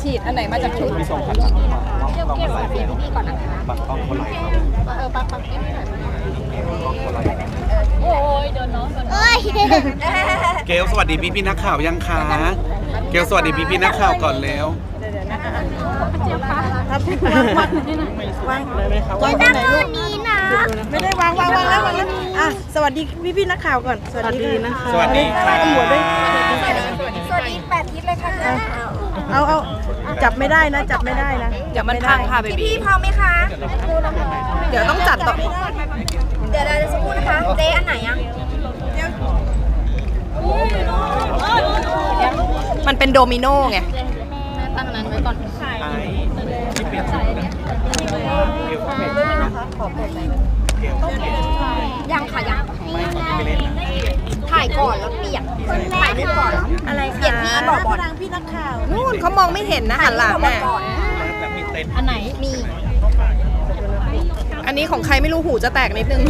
ฉีดอันไหนมาจากชุดมี2 คันต้องมาไล่พี่ก่อนนะคะบักต้องคนไหลครับปักเก็บหน่อยต้องคนไหลโอ้ยเดินน้องเกลสวัสดีพี่นักข่าวยังคะเกลสวัสดีพี่นักข่าวก่อนแล้วเจี๊ยบคะวางเลยไหมคะวางตรงไหนลูกไม่ได้วางแล้วอ่ะสวัสดีพี่นักข่าวก่อนสวัสดีนะคะสวัสดีค่ะหมวดด้วยสวัสดี8 ทิศเลยค่ะเอาจับไม่ได้นะจับไม่ได้นะเดี๋ยวมันพังค่ะเบบี้พี่พร้อมไหมคะเดี๋ยวต้องจัดต่อเดี๋ยวเราจะสักครู่นะคะเจ๊อันไหนอ่ะมันเป็นโดมิโนไงตั้งนั้นไว้ก่อนไอ้ที่เปลี่ยนชุดนะเกลเปลี่ยนชุดนะเกลยังค่ะยังไม่ไปเล่นนะถ่ายก่อนแล้วเปลี่ยนถ่ายรูปก่อนอะไรคะเปลี่ยนที่บอกบอลพี่นักข่าวนู่นเขามองไม่เห็นนะหันหลังแม่แบบมีเต็นอันไหนมีอันนี้ของใครไม่รู้หูจะแตกนิดนึง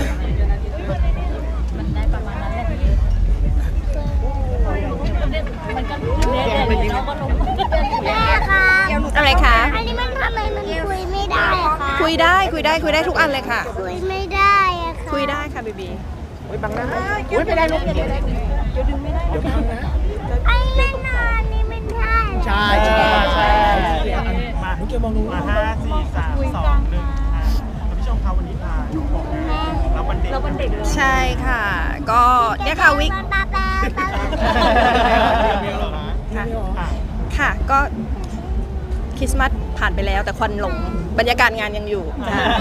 แม่ค่ะอะไรคะอันนี้มันทำไมมันคุยไม่ได้คะคุยได้ทุกอันเลยค่ะคุยไม่ได้อะค่ะคุยได้ค่ะบีบีบังหน้าไม่ได้ลูกเดี๋ยวดึงไม่ได้เดี๋ยวพังนะไอ้เล่นนานนี่ไม่ได้ใช่มาทุกเกลมองดูมา5 4 3 2 1พี่ชมครับวันนี้พาน้องบอกรับวันเด็กใช่ค่ะก็เนี่ยค่ะวิกค่ะก็คริสต์มาสผ่านไปแล้วแต่ควันหลงบรรยากาศงานยังอยู่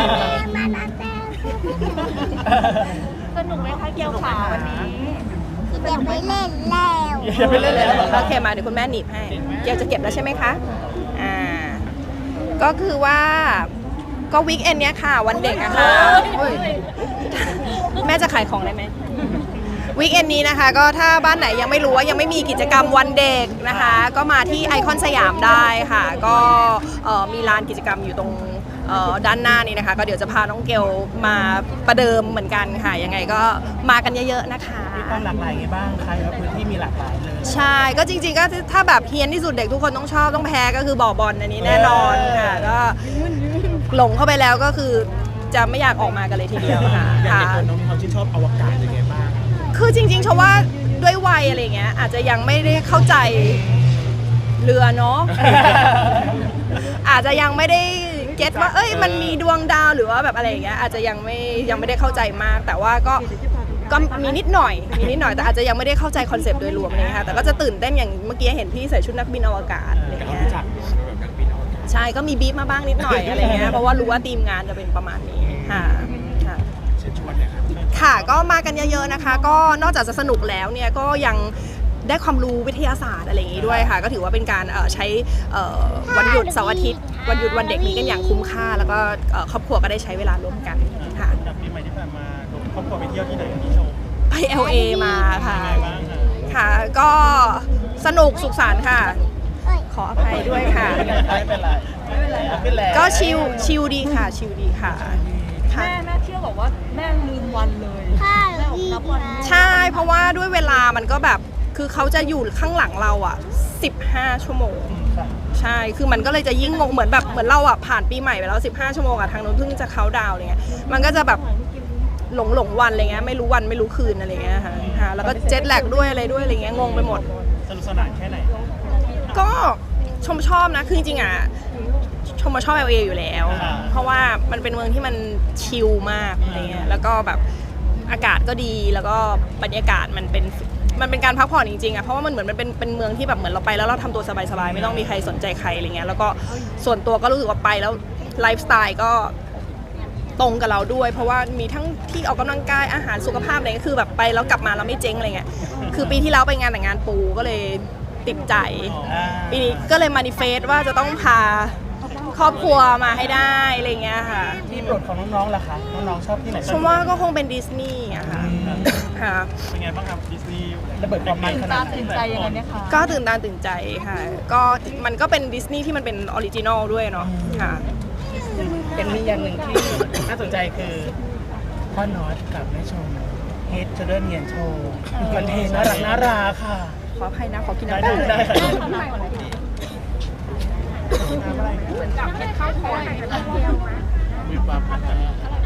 สนุกไหมคะเกี่ยวขาวันนี้อย่าไปเล่นแล้วโอเคมาเดี๋ยวคุณแม่หนีบให้เกี่ยวจะเก็บแล้วใช่ไหมคะก็คือว่าก็วีคเอนเนี้ยค่ะวันเด็กอะค่ะแม่จะขายของได้ไหมวีคเอนนี้นะคะก็ถ้าบ้านไหนยังไม่รู้ว่ายังไม่มีกิจกรรมวันเด็กนะคะก็มาที่ไอคอนสยามได้ค่ะก็มีลานกิจกรรมอยู่ตรงด้านหน้านี้นะคะก็เดี๋ยวจะพาน้องเกลมาประเดิมเหมือนกันค่ะยังไงก็มากันเยอะๆนะคะมีความหลากหลายไงบ้างใครว่าพื้นที่มีหลากหลายเลยใช่ก็จริงๆก็ถ้าแบบเฮียนที่สุดเด็กทุกคนต้องชอบต้องแพ้ก็คือบ่อบอลอันนี้แน่นอนค่ะก็หลงเข้าไปแล้วก็คือจะไม่อยากออกมากันเลยทีเดียวค่ะอย่างเด็กคนน้องมีความชื่นชอบอวกาศยังไงบ้างคือจริงๆชว่าด้วยวัยอะไรเงี้ยอาจจะยังไม่ได้เข้าใจเรือเนาะ อาจจะยังไม่ได้เก็ตว่ามันมีดวงดาวหรือว่าแบบอะไรอย่างเงี้ยอาจจะยังไม่ได้เข้าใจมากแต่ว่าก็มีนิดหน่อยแต่อาจจะยังไม่ได้เข้าใจคอนเซปต์โดยรวมเลยค่ะแต่ก็จะตื่นเต้นอย่างเมื่อกี้เห็นพี่ใส่ชุดนักบินอวกาศอะไรเงี้ยใช่ก็มีบีบมาบ้างนิดหน่อยอะไรเงี้ยเพราะว่ารู้ว่าทีมงานจะเป็นประมาณนี้ค่ะค่ะก็มากันเยอะๆนะคะก็นอกจากจะสนุกแล้วเนี่ยก็ยังได้ความรู้วิทยาศาสตร์อะไรอย่างนี้ด้วยค่ะก็ถือว่าเป็นการใช้วันหยุดเสาร์อาทิตย์วันหยุดวันเด็กนี้กันอย่างคุ้มค่าแล้วก็ครอบครัวก็ได้ใช้เวลาร่วมกันค่ะปีใหม่ที่ผ่านมาครอบครัวไปเที่ยวที่ไหนพี่ชมไป LA มาค่ะค่ะก็สนุกสุขสันต์ค่ะขออภัยด้วยค่ะไม่เป็นไรก็ชิลดีค่ะชิลดีค่ะแม่เชื่อบอกว่าแม่ลืมวันเลยใช่เพราะว่าด้วยเวลามันก็แบบคือเขาจะอยู่ข้างหลังเราอ่ะ15 ชั่วโมงใช่คือมันก็เลยจะยิ่งงงเหมือนเราอ่ะผ่านปีใหม่ไปแล้ว15 ชั่วโมงอ่ะทางโน้นเพิ่งจะเขาดาวอะไรเงี้ยมันก็จะแบบหลงวันอะไรเงี้ยไม่รู้วันไม่รู้คืนอะไรเงี้ยค่ะแล้วก็เจ็ตแลกด้วยอะไรด้วยอะไรเงี้ยงงไปหมดสนุกสนานแค่ไหนก็ชอบนะคือจริงๆอ่ะชมมาชอบ LA อยู่แล้วเพราะว่ามันเป็นเมืองที่มันชิลมากอะไรเงี้ยแล้วก็แบบอากาศก็ดีแล้วก็บรรยากาศมันเป็นการพักผ่อนจริงๆอ่ะเพราะว่ามันเหมือนมันเป็นเมืองที่แบบเหมือนเราไปแล้วเราทำตัวสบายๆไม่ต้องมีใครสนใจใครอะไรเงี้ยแล้วก็ส่วนตัวก็รู้สึกว่าไปแล้วไลฟ์สไตล์ก็ตรงกับเราด้วยเพราะว่ามีทั้งที่ออกกำลังกายอาหารสุขภาพอะไรก็คือแบบไปแล้วกลับมาเราไม่เจ๊งอะไรเงี้ยคือปีที่แล้วไปงานแต่งงานปูก็เลยติดใจปีนี้ก็เลยมานิเฟสว่าจะต้องพาครอบครัวมาให้ได้อะไรเงี้ยค่ะที่โปรดของน้องๆล่ะคะน้องๆชอบที่ไหนชมว่าก็คงเป็นดิสนีย์อะค่ะเป็นไงบ้างครับดิสนีย์ระเบิดความมันขนาดตื่นใจยังไงเนี่ยคะก็ตื่นตาตื่นใจค่ะก็มันก็เป็นดิสนีย์ที่มันเป็นออริจินอลด้วยเนาะค่ะเป็นมีอย่างหนึ่งที่น่าสนใจคือพ่อน็อตกับแม่ชมเฮดเชอร์เดอร์เนียนโชว์มันเทน่ารักค่ะขออภัยนะขอกินน้ำได้มีความพันธ์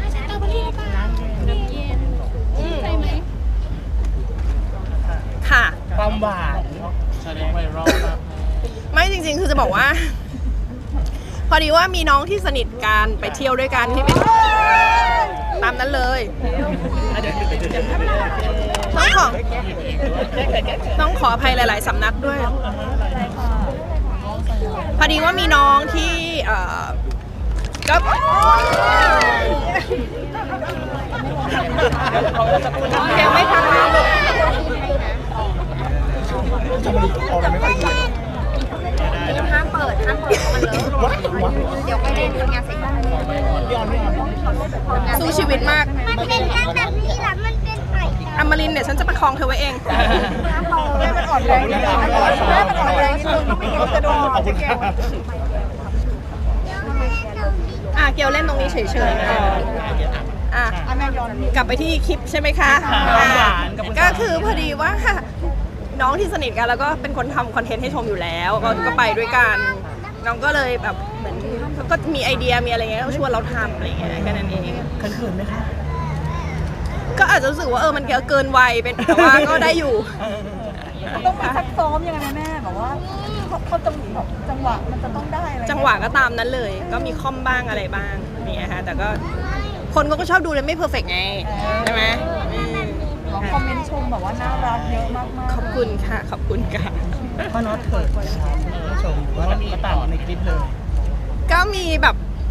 ค่ะความหวานแสดงไวรัลมากไม่จริงๆ คือจะบอกว่า พอดีว่ามีน้องที่สนิทกันไปเที่ยวด้วยกันที่เป็นตามนั้นเลยต้องขออภัยหลายๆสำนักด้วย พอดีว่ามีน้องที่ก็ยังไม่ทันมาลูกห้ามเปิดมันเลยเดี๋ยวไปเล่นทำงานเสร็จแล้วสู้ชีวิตมากมันเป็นแค่แบบนี้แหละมันเป็นไก่อมรินทร์เนี่ยฉันจะประคองเธอไว้เองแม่มันอ่อนแรงนิดนึงแม่มันอ่อนแรงนิดนึงไม่งั้นจะโดนเจ๊แก้วเกลเล่นตรงนี้เฉยๆแม่ย้อนกลับไปที่คลิปใช่ไหมคะ ก็คือพอดีว่าน้องที่สนิทกันแล้วก็เป็นคนทำคอนเทนต์ให้ชมอยู่แล้วก็ไปด้วยกันน้องก็เลยแบบเหมือนก็มีไอเดียมีอะไรเงี้ยก็ชวนเราทำอะไรเงี้ยแค่นั้นเองเขินไหมคะก็อาจจะรู้สึกว่ามันเกินวัยเป็นแต่ว่าก็ได้อยู่ต้องมีซักซ้อมยังไงแม่แบบว่าเขาจังหวะมันจะต้องได้อะไรจังหวะก็ตามนั้นเลย ก็มีคอมบ้างอะไรบ้างเนี่ยฮะแต่ก็คนก็ชอบดูเลยไม่เพอร์เฟกต์ไงใช่ไหมคอมเมนต์ชมแบบว่าน่ารักเยอะมากๆขอบคุณค่ะขอบคุณค่ะพ่อน็อตเขินชมว่ามีต่างในคลิปเลยก็มีแบบ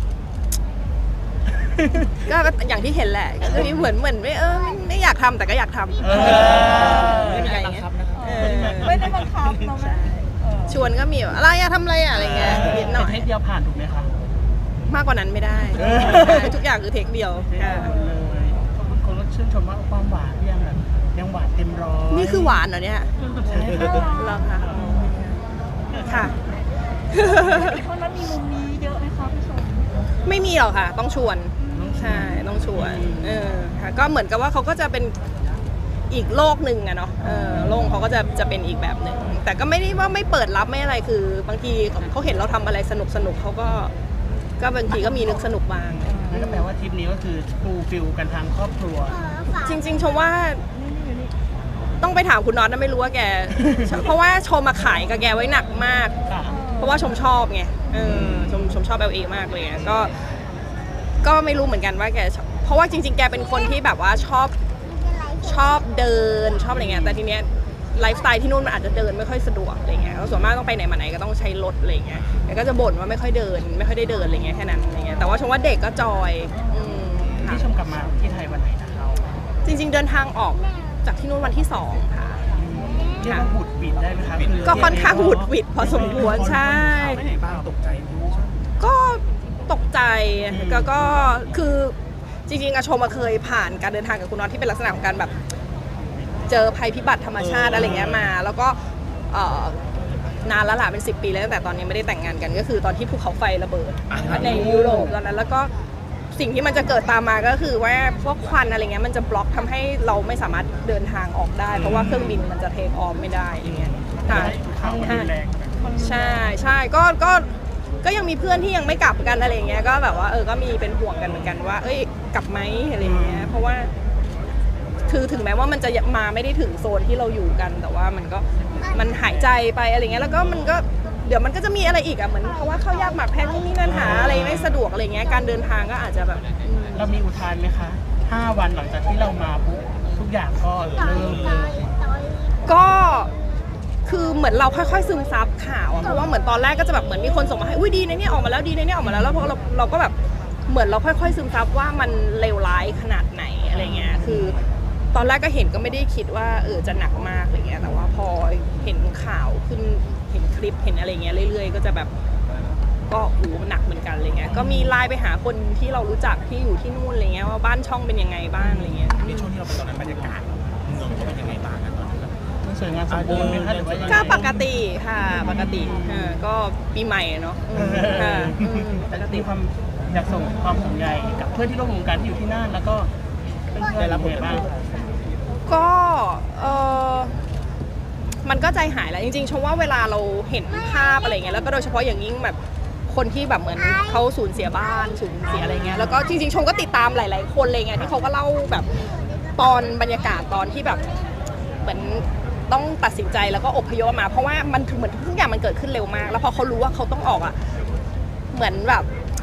ก็อย่างที่เห็นแหละก็มีเหมือนไม่อยากทำแต่ก็อยากทำไม่มีการบังคับนะครับไม่ได้บังคับเนาะแม่ชวนก็มีแบบอะไรทำอะไรอะไรเงี้ยนิดหน่อยเทคเดียวผ่านถูกไหมคะมากกว่านั้นไม่ได้ทุกอย่างคือเทคเดียวเลยคนก็ชื่นชมว่าความหวานยังหวานเต็มร้อยนี่คือหวานเหรอเนี่ยใช่ค่ะเหรอคะค่ะเพราะนั้นมีมุมนี้เยอะไหมคะพี่ชมไม่มีหรอกค่ะ ต้องชวนใช่ต้องชวนค่ะก็เหมือนกับว่าเขาก็จะเป็นอีกโลกหนึ่งอะเนาะโลกเขาก็จะเป็นอีกแบบหนึ่งแต่ก็ไม่ได้ว่าไม่เปิดรับไม่อะไรคือบางทีเขาเห็นเราทำอะไรสนุกเขาก็บางทีก็มีนึกสนุกบ้างนั่นก็แปลว่าทริปนี้ก็คือฟูลฟิลกันทางครอบครัวจริงๆชมว่าต้องไปถามคุณน็อตนะไม่รู้ว่าแก เพราะว่าชมมาขายกับแกไว้หนักมาก เพราะว่าชมชอบไงชมชอบ LA มากเลยก็ไม่รู้เหมือนกันว่าแกชอบเพราะว่าจริงๆแกเป็นคนที่แบบว่าชอบเดินชอบอะไรเงี้ยแต่ทีเนี้ยไลฟ์สไตล์ที่นู่นมันอาจจะเดินไม่ค่อยสะดวกอะไรเงี้ยส่วนมากต้องไปไหนมาไหนก็ต้องใช้รถอะไรเงี้ยแกก็จะบ่นว่าไม่ค่อยได้เดินอะไรเงี้ยแค่นั้นอะไรเงี้ยแต่ว่าชมว่าเด็กก็จอยค่ะที่ชมกลับมาที่ไทยวันไหนนะคะจริงๆเดินทางออกจากที่นู่นวันที่2ค่ะเรียกว่าบุดบิดได้ไหมคะก็ค่อนข้างหวุดหวิดพอสมควรใช่ไม่ไหนบ้างตกใจไหมก็ตกใจก็คือจริงๆอาชมเคยผ่านการเดินทางกับคุณน็อตที่เป็นลักษณะของการแบบเจอภัยพิบัติธรรมชาติอะไรเงี้ยมา แล้วก็นานแล้วล่ะเป็น10 ปีแล้วตั้งแต่ตอนนี้ไม่ได้แต่งงานกันก็คือตอนที่ภูเขาไฟระเบิดในยุโรปตอนนั้นแล้วก็สิ่งที่มันจะเกิดตามมาก็คือว่าพวกควันอะไรเงี้ยมันจะบล็อกทำให้เราไม่สามารถเดินทางออกได้เพราะว่าเครื่องบินมันจะเทคออฟไม่ได้อะไรเงี้ยค่ะข่าวมันแรงใช่ก็ยังมีเพื่อนที่ยังไม่กลับกันอะไรเงี้ยก็แบบว่าก็มีเป็นห่วงกันเหมือนกันว่าเอ้ยกลับไหมอะไรเงี้ยเพราะว่าคือถึงแม้ว่ามันจะมาไม่ได้ถึงโซนที่เราอยู่กันแต่ว่ามันหายใจไปอะไรเงี้ยแล้วก็มันก็เดี๋ยวมันก็จะมีอะไรอีกอ่ะเหมือนเพราะว่าเข้ายากหมากแพงที่นี่นั่นหาอะไรไม่สะดวกอะไรเงี้ยการเดินทางก็อาจจะแบบเรามีอุทานไหมคะ5 วันหลังจากที่เรามาปุ๊บทุกอย่างก็เริ่มเลยก็คือเหมือนเราค่อยๆซึมซับข่าวอะเพราะว่าเหมือนตอนแรกก็จะแบบเหมือนมีคนส่งมาให้อุ้ยดีนะเนี่ยออกมาแล้วดีนะเนี่ยออกมาแล้วแล้วพอเราก็แบบเหมือนเราค่อยๆซึมซับว่ามันเลวร้ายขนาดไหนอะไรเงี้ยคือตอนแรกก็เห็นก็ไม่ได้คิดว่าจะหนักมากอะไรเงี้ยแต่ว่าพอเห็นข่าวขึ้นเห็นคลิปเห็นอะไรเงี้ยเรื่อยๆก็จะแบบก็หนักเหมือนกันอะไรเงี้ยก็มีไลน์ไปหาคนที่เรารู้จักที่อยู่ที่นู่นอะไรเงี้ยว่าบ้านช่องเป็นยังไงบ้างอะไรเงี้ยในช่วงที่เราไปตอนนั้นบรรยากาศเมืองเขาเป็นยังไงบ้างกันตอนนั้นสวยงามสมบูรณ์ไหมคะหรือว่ายังไงก็ปกติค่ะปกติก็ปีใหม่เนาะค่ะปกติมีความอยากส่งความห่วงใยกับเพื่อนที่ร่วมวงการที่อยู่ที่นั่นแล้วก็ได้รับผลบ้างก็มันก็ใจหายแหละจริงๆชมว่าเวลาเราเห็นภาพอะไรเงี้ยแล้วก็โดยเฉพาะอย่างยิ่งแบบคนที่แบบเหมือนเขาสูญเสียบ้านสูญเสียอะไรเงี้ยแล้วก็จริงๆชมก็ติดตามหลายๆคนอะไรเงี้ยที่เขาก็เล่าแบบตอนบรรยากาศตอนที่แบบเหมือนต้องตัดสินใจแล้วก็อพยพมาเพราะว่ามันเหมือนทุกอย่างมันเกิดขึ้นเร็วมากแล้วพอเขารู้ว่าเขาต้องออกอ่ะเหมือนแบบ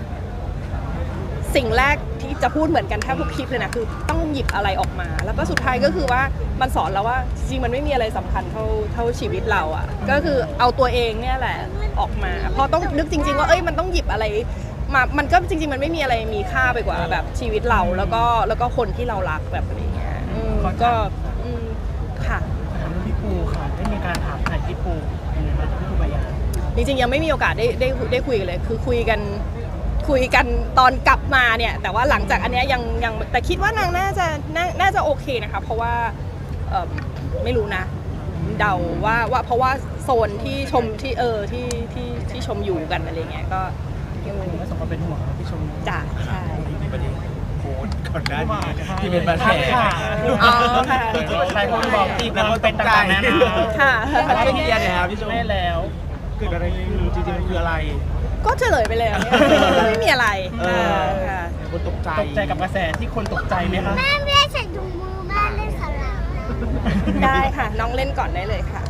สิ่งแรกที่จะพูดเหมือนกันแทบทุกคลิปเลยนะคือต้องหยิบอะไรออกมาแล้วก็สุดท้ายก็คือว่ามันสอนเราว่าจริงๆมันไม่มีอะไรสำคัญเท่าชีวิตเราอ่ะก็คือเอาตัวเองเนี่ยแหละออกมาเพราะต้องนึกจริงๆว่ามันต้องหยิบอะไรมามันก็จริงๆมันไม่มีอะไรมีค่าไปกว่าแบบชีวิตเราแล้วก็คนที่เรารักแบบอะไรเงี้ยก็ค่ะพี่ปูค่ะได้มีการถามถ่ายพี่ปูยังไงบ้างพี่ปูปายาจริงๆยังไม่มีโอกาสได้คุยกันเลยคือคุยกันตอนกลับมาเนี่ยแต่ว่าหลังจากอันเนี้ยยังแต่คิดว่านางน่าจะโอเคนะคะเพราะว่าไม่รู้นะเดาว่าเพราะว่าโซนที่ชมที่ชมอยู่กันอะไรเงี้ยก็ยังไม่สมควรเป็นห่วงพี่ชมจ่าใช่มีประเด็นโพสต์ก่อนหน้านี้ที่เป็นปัญหาอ๋อค่ะหลายคนบอกตีความเป็นต่างๆนานาค่ะอะไรที่เรียนเนี่ยครับพี่ชมไม่แล้วเกิดอะไรขึ้นจริงๆมันคืออะไรก็เฉลยไปเลยอะไม่มีอะไรค่ะคนตกใจตกใจกับกระแสที่คนตกใจไหมคะแม่ไม่ได้ใส่ถุงมือแม่เล่นสลับได้ค่ะน้องเล่นก่อนได้เลยค่ะ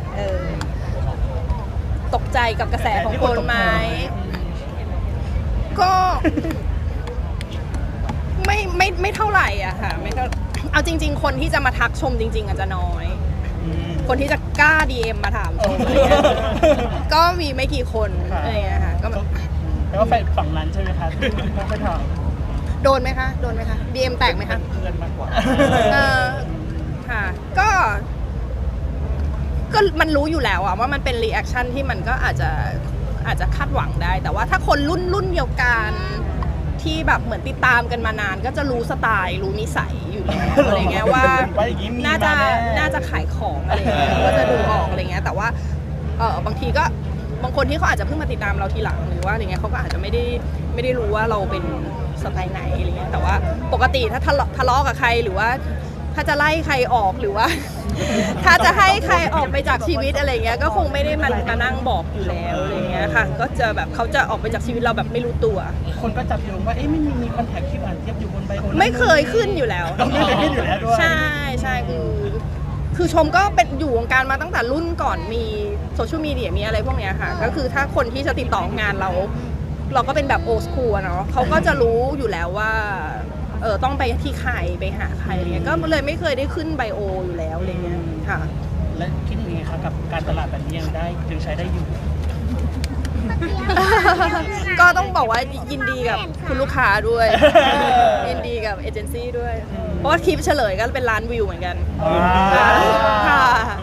ตกใจกับกระแสของคนไหมก็ไม่เท่าไหร่อะค่ะไม่เท่าเอาจริง ๆ คนที่จะมาทักชมจริง ๆอาจจะน้อย คนที่จะกล้า DM มาถามชมอะไรเงี้ยก็มีไม่กี่คนอะไรเงี้ยค่ะก็แล้วก็แฟนฝั่งนั้นใช่ไหมคะที่ไปถามโดนไหมคะ DM แตกไหมคะเพื่อนมากกว่าค่ะก็มันรู้อยู่แล้วอะว่ามันเป็นรีแอคชั่นที่มันก็อาจจะคาดหวังได้ แต่ว่าถ้าคนรุ่นเดียวกันที่แบบเหมือนติดตามกันมานานก็จะรู้สไตล์รู้นิสัยอยู่แล้วอะไรเงี้ยว่าน่าจะขายของอะไรเงี้ยก็จะดูออกอะไรเงี้ยแต่ว่าบางทีก็บางคนที่เขาอาจจะเพิ่งมาติดตามเราทีหลังหรือว่าอะไรเงี้ยเขาก็อาจจะไม่ได้รู้ว่าเราเป็นสไตล์ไหนอะไรเงี้ยแต่ว่าปกติถ้าทะเลาะกับใครหรือว่าถ้าจะไล่ใครออกหรือว่า ถ้าจะให้ใครออกไปจากชีวิตอะไรเงี้ยก็คงไม่ได้มานั่งบอกอยู่แล้วอะไรเงี้ยค่ะก็จะแบบเขาจะออกไปจากชีวิตเราแบบไม่รู้ตัวคนก็จับโยงว่าเอ๊ะไม่มีคอนแทคที่อ่านเทียบอยู่บนใบโอไม่เคยขึ้นอยู่แล้วไม่เคยขึ้นอยู่แล้วด้วยใช่คือชมก็เป็นอยู่วงการมาตั้งแต่รุ่นก่อนมีโซเชียลมีเดียมีอะไรพวกเนี้ยค่ะก็คือถ้าคนที่จะติดต่องานเราก็เป็นแบบโอสคูลเนาะเขาก็จะรู้อยู่แล้วว่าต้องไปที่ใครไปหาใครอะไรเงี้ยก็เลยไม่เคยได้ขึ้นไบโออยู่แล้วอะไรเงี้ยค่ะและคิดยังไงคะกับการตลาดแบบนี้ยังใช้ได้อยู่ก็ต้องบอกว่ายินดีกับคุณลูกค้าด้วย ยินดีกับเอเจนซี่ด้วย เพราะว่าคลิปเฉลยก็เป็นล้านวิวเหมือนกันค่ะ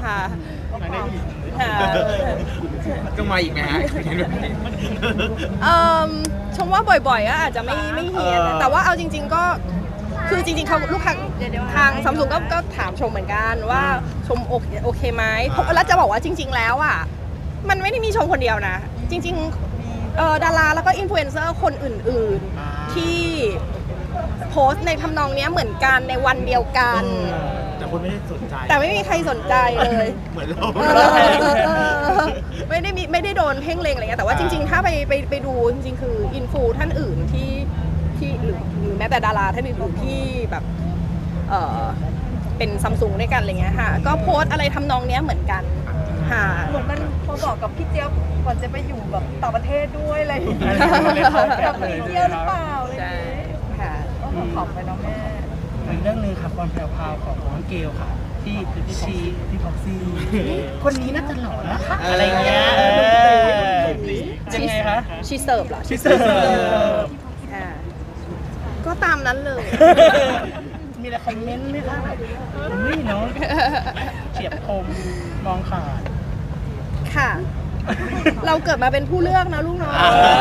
ก็มาอีกไหมฮะเห็นแบบนี้ชมว่าบ่อยๆก็อาจจะไม่เฮียนแต่ว่าเอาจริงๆก็คือจริงๆเขาลูกค้าทางซัมซุงก็ถามชมเหมือนกันว่าชมโอเคไหมแล้วจะบอกว่าจริงๆแล้วอ่ะมันไม่ได้มีชมคนเดียวนะจริงๆดาราแล้วก็อินฟลูเอนเซอร์คนอื่นๆที่โพสต์ในทำนองนี้เหมือนกันในวันเดียวกันแต่คนไม่ได้สนใจแต่ไม่มีใครสนใจเลยเหมือนเราไม่ได้โดนเพ่งเลงอะไรเงี้ยแต่ว่าจริงๆถ้าไปดูจริงๆคืออินฟูท่านอื่นที่หรือแม้แต่ดาราท่านอื่นๆที่แบบเป็นซัมซุงด้วยกันอะไรเงี้ยค่ะก็โพสต์อะไรทำนองเนี้ยเหมือนกันค่ะเหมือนมันพอบอกกับพี่เจี๊ยบก่อนจะไปอยู่แบบต่างประเทศด้วยอะไรอย่างเงี้ย กับพี่เจี๊ยบหรือเปล่าอะไรอย่างใช่เงี้ยค่ะก็ขำไปเนาะแม่อีกเรื่องหนึงค่ะความแพรวๆของน้องเกลค่ะ ที่พี่พ็อกซี่คนนี้น่าจะหล่อนะคะอะไรเงี้ยยังไงคะชีเสิร์ฟเหรอชิเซอร์ค่ะก็ตามนั้นเลยมีอะไรคอมเมนต์ไหมคะแบบนี่เนาะเฉียบคมมองขาดค่ะ เราเกิดมาเป็นผู้เลือกนะลูกเนาะ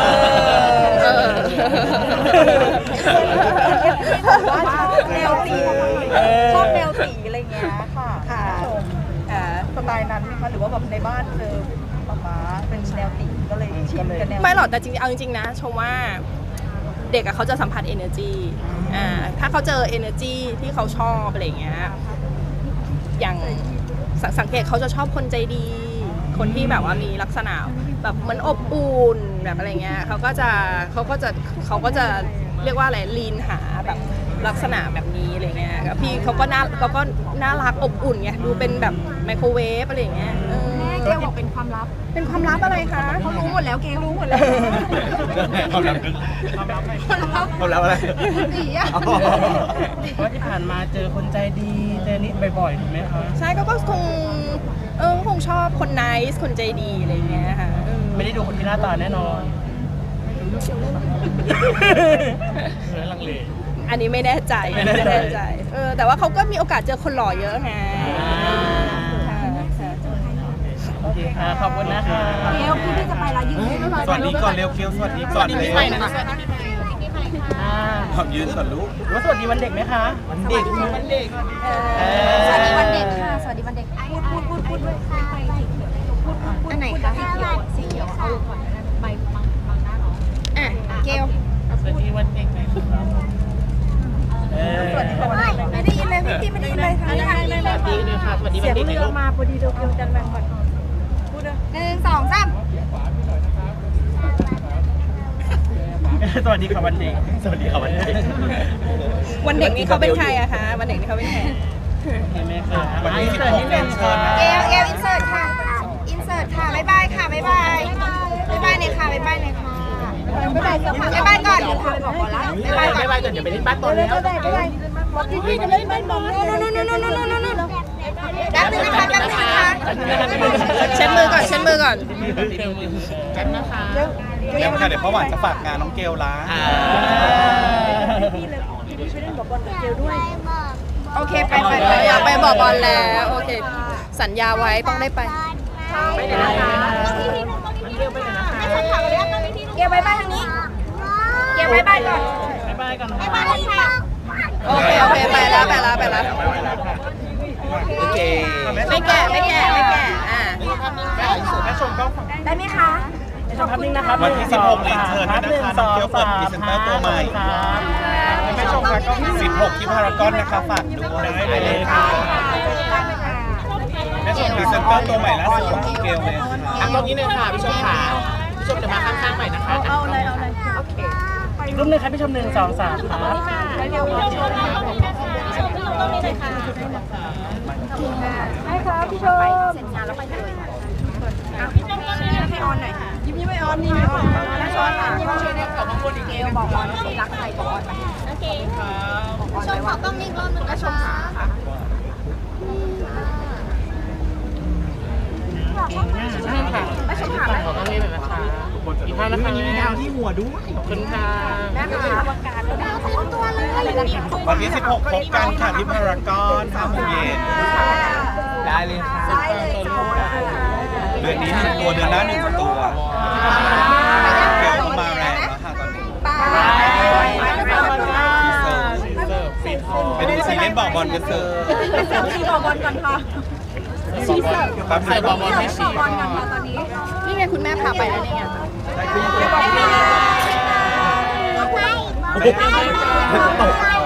ว่าชอบแนวสีชอบแนวสีอะไรเงี้ยค่ะค่ะชมสไตล์นั้นไหมคะหรือว่าแบบในบ้านเจอป๊าเป็นแนวสีก็เลยชินกับแนวไม่หรอกแต่จริงๆเอาจริงๆนะชมว่าเด็กเขาจะสัมผัส energy ถ้าเขาเจอ energy ที่เขาชอบอะไรอย่างเงี้ยอย่างสังเกตเขาจะชอบคนใจดี คคนที่แบบว่ามีลักษณะแบบเหมือนอบอุ่นแบบอะไรเงี้ยเขาก็จะเรียกว่าอะไรลีนหาแบบลักษณะแบบนี้อะไรเงี้ยแล้วพี่เขาก็น่ารักอบอุ่นไงดูเป็นแบบไมโครเวฟอะไรเงี้ยแม่เกลบอกเป็นความลับเป็นความลับอะไรคะเขารู้หมดแล้วเกลรู้หมดแล้วความลับอะไรสีอะเพราะที่ผ่านมาเจอคนใจดีเจอนี่บ่อยๆถูกไหมคะใช่ก็คงชอบคนไนซ์คนใจดีอะไรเงี้ยค่ะไม่ได้ดูคนที่หน้าตาแน่นอนลังเลอันนี้ไม่แน่ใจแต่ว่าเขาก็มีโอกาสเจอคนหล่อเยอะไงค่ะโอเคค่ะขอบคุณนะคะเกลพี่จะไปละยืนให้หน่อยสวัสดีก่อนเร็วเคียวสวัสดีก่อนเร็วอ่าขอบยืนก่อนลูกหรือว่าสวัสดีวันเด็กไหมคะวันเด็กสวัสดีวันเด็กค่ะสวัสดีวันเด็กพูดด้วยอันไหนคะสีเขียวเอาลงก่อนใบบางหน้าเนาะอ่ะเกลสวัสดีวันเด็กไหมครับไม่ได้ยินเลยพี่ไม่ได้ยินเลยทางนี้ค่ะสวัสดีด้วยค่ะสวัสดีวันเด็กไหมลูกมาพอดีเดียวกันแบ่งก่อน 1 2 3 สวัสดีค่ะวันเด็กสวัสดีค่ะวันเด็กวันเด็กนี่เขาเป็นใครอะคะวันเด็กนี่เขาเป็นใครเห็นไหมคะวันที่16เรียนเชิญนะเกลอินเสิร์ตค่ะอินเสิร์ตค่ะบ๊ายบายค่ะบ๊ายบายบ๊ายบายเลยค่ะบ๊ายบายเลยค่ะบ๊ายบายก่อนเดี๋ยวพาไปบอกก่อนละบ๊ายบายก่อนบ๊ายบายก่อนเดี๋ยวไปเล่นบ้านบอลแล้วบอกพี่จะเล่นบ้านบอลนู่นแป๊บนึงนะคะแป๊บนึงนะคะเช็ดมือก่อนกันนะคะเดี๋ยวค่ะเดี๋ยวพ่อหวานจะฝากงานน้องเกลละโอเคไปอยากไปบอกบอลแล้วโอเคสัญญาไว้ต้องได้ไปไปไหนนะคะเกลไปไหนนะคะเกลบ๊ายบายทางนี้เกลบ๊ายบายก่อนบ๊ายบายก่อนบ๊ายบายค่ะโอเคไปแล้วโอเคไม่แก่อ่าได้ไหมคะชมภาพนิ่งนะครับวันที่16เรียนเชิญด้วยนะคะน้องเกลเปิดพรีเซนเตอร์ตัวใหม่16ที่พารากอนนะคะฝากด้วยได้เลยค่ะแม่ชมพรีเซนเตอร์ตัวใหม่ล่าสุดของน้องเกลเลยค่ะตรงนี้เลยค่ะพี่ชมขาพี่ชมจะมาข้างๆใหม่นะคะเอาเลยโอเคอีกรูปหนึงครับพี่ชม1 2 3ครับให้ครับพี่ชมเสร็จงานแล้วไปเลยให้ออนหน่อยยิ้มไม่ออนนี่ไม่ออนนะชอนค่ะก็ช่วยได้กับเกลบอกออนรักใครบอกออนไปโอเคชมขอต้องมีรอบนึงนะชมค่ะใช่ค่ะไม่ชมขาขอต้องเล่นหน่อยนะคะอีกท่านนะคะมีดาวที่หัวด้วยขอบคุณค่ะนะคะประกาศแล้วเต็มตัวเลยวันที่16พบกันค่ะที่พารากอน5 โมงเย็นได้เลยค่ะได้เลยจ้าเดือนนี้1 ตัวเดือนหน้า1 ตัวเกลมาแรงแล้วค่ะตอนนี้ไปดูซีเล่นบอกบอลกันเถอะชีบอกบอลก่อนค่ะใส่บอลให้ชีบอลก่อนค่ะตอนนี้นี่ไงคุณแม่พาไปแล้วนี่ไงตก